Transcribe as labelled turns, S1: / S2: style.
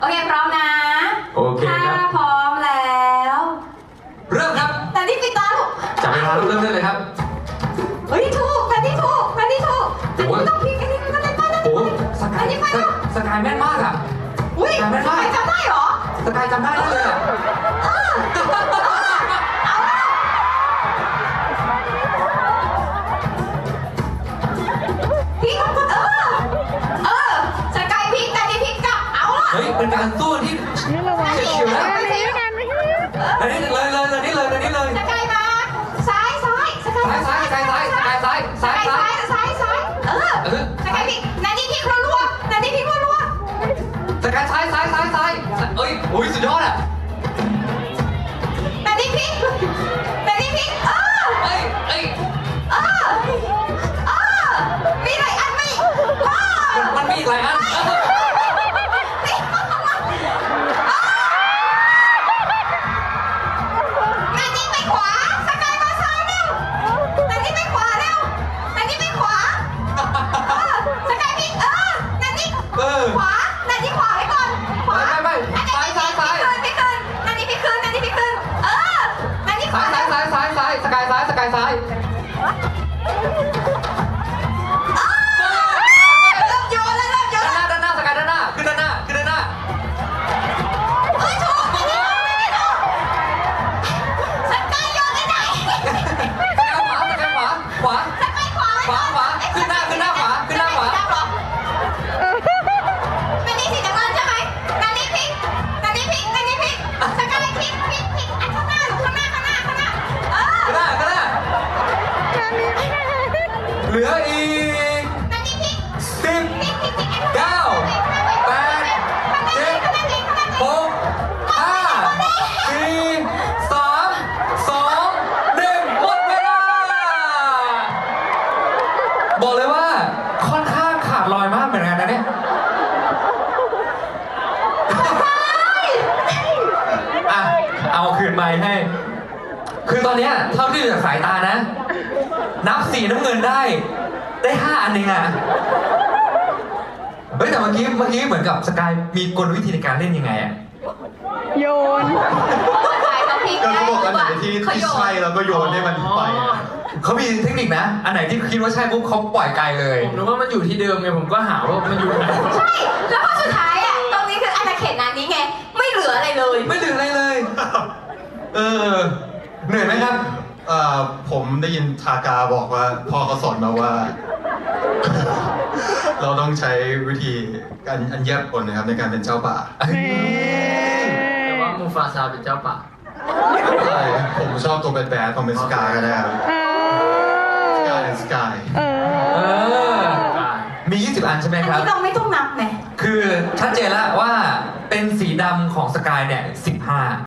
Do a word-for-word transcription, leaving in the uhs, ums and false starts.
S1: โอเคพร้อมนะ
S2: โอเคครับ
S1: ถ้าพร้อมแล้ว
S2: เริ่มครับ
S1: แต่นี่ปิดตาลูก
S2: จับเวลาเริ่มได้เลยครับ
S1: เฮ้ยถูกแต่นี่ถูกแต่นี่ถูกแต่
S2: โอ้ย
S1: นี่ต้องพลิกอันนี้มันได้ป้าได้
S2: โอ้สกา
S1: อั
S2: ย
S1: นนี้ไป
S2: ส
S1: แล้ว
S2: สกายแม่นมากอ่ะ
S1: อุ้ย
S2: จำไม่ได้
S1: ใครจำได้เหรอ
S2: สกายจำได้เลยอ่ะ
S1: พลิกเออเออสกายพลิกแต่นี่พลิกกลับเอาล่ะ
S2: เฮ้ยเป็นการสู้ที่
S3: นี่ระวัง
S2: เฉียวๆนะ
S3: อันนี้กันไม่ใช่
S2: อันนี้เลยเลยเลยนี่เลยเลยนี่เลย
S1: สกายมาซ้ายซ้ายสกาย
S2: ซ้ายซ้ายซ้ายซ้ายซ้ายซ้าย
S1: ส
S2: ซ้าย
S1: กาย
S2: ซ้า
S1: ซ้าย ยซ้ายซ้ายเออ
S2: เออ
S1: สกายพลิกนานี่พลิกรัวๆนานี่พลิกรัว
S2: สกายซ้ายซ้ายซ้ายซ้ายเอ้ยโอ้ยสุดยอดอ่ะ
S1: ๆนานี่พลิกนานี่พลิกเออ
S2: เอ้ยเอ้ย
S1: เออเออมีหลายอันไหมเออ
S2: มันมันมีอีกหลายอันเออ
S1: นานี่ไปขวาสกายมาซ้ายเร็วนานี่ไปขวาเร็วนานี่ไปขวาเออสกายพลิกเออนานี่
S2: เออ
S1: ขวานานี่ขวาไว้ก่อนขวา
S2: ไม่ไม่ไม่ซ้ายซ้ายซ้าย
S1: พี่คืนนานี่พี่คืนนานี่พี่คืนเออนานี่ข
S2: ซ้า
S1: วาย
S2: ซ้ายซ้ายซ้ายซ้ายสกายซ้ายสกายซ้าย
S1: เริ่มโยนแล้วเริ่มโยน
S2: ด้านห
S1: แล้ว
S2: น้าด้านหน้าสกายด้านหน้าขึ้นด้านหน้าขึ้นด้านหน้า
S1: เฮ้ยถูกนานี่ถูกนานี่ถูกสกายโยนไปไหน
S2: สกายขวาสกายขวาขวา
S1: สกายขวา
S2: ขวาขวาขึ้นหน้าขึ้นหน้าขวาขึ้นหน้าขวา
S1: นานี่สีน้ำเงินใช่ไหมนานี่พลิกนานี่พลิกนานี่พลิกสกายพลิกพลิกพลิกอันข้างหน้าลูกข้างหน้าข้างหน้าข้างหน้าเออ
S2: ขึ้นหน้าขึ้นหน้า
S3: อันนี้ไม่ได้
S2: เหลืออีก
S1: นานี่พลิก
S2: สิบ
S1: พลิกพลิกพลิกอันข้างหน้า
S2: เก้าแปดเจ็ดหกห้าสี่สามสองหนึ่งหมดเวลาบอกเลยว่าค่อนข้างขาดลอยมากเหมือนกันนะเนี่ยอ่ะเอาคืนไมค์ให้ คือตอนเนี้ยเท่าที่ดูจากสายตานะ นับสีน้ำเงินได้ ได้ห้าอันเองอะเฮ้ยแต่เมื่อกี้เมื่อกี้เหมือนกับสกายมีกลวิธีในการเล่นยังไงอะ
S3: โยน
S1: สายเขาพลิก
S4: ก็
S1: ได้
S4: เขาบอกอันไหนที่
S1: เขา
S4: ที่
S1: โยน
S4: ใช่แล้วก็โยนให้มันไปอะ
S2: เขามีเทคนิคนะ อันไหนที่คิดว่าใช่ปุ๊บเขาปล่อยไกลเลย
S5: ผมนึกว่ามันอยู่ที่เดิมไงผมก็หาว่ามันอยู่ไหน
S1: ใช่ แล้วพอสุดท้ายอ่ะ ตรงนี้คืออาณาเขตนั้นนี้ไง ไม่เหลืออะไรเลย
S2: ไม่เหลืออะไรเลย เออ เหนื่อยไหมครับ
S4: เอ่อผมได้ยินทากาบอกว่าพ่อเขาสอนมาว่า เราต้องใช้วิธีการอันแยบกลนะครับในการเป็นเจ้าป่า
S5: แต่ว่ามูฟาซาเป็นเจ้าป่า
S4: ใช่ผมชอบตัวแบดๆผมเป็นสกายก็ได้ครับ
S3: เอ
S4: ส
S3: อก
S4: ายสกาย
S3: เอ
S2: เอ
S3: อ
S2: อ มี ยี่สิบ อันใช่ไหม
S1: อัน
S2: ครับ
S1: นี้เราไม่ต้องนับไง
S2: คือชัดเจนแล้วว่าเป็นสีดำของสกายเนี่ยสิบห้า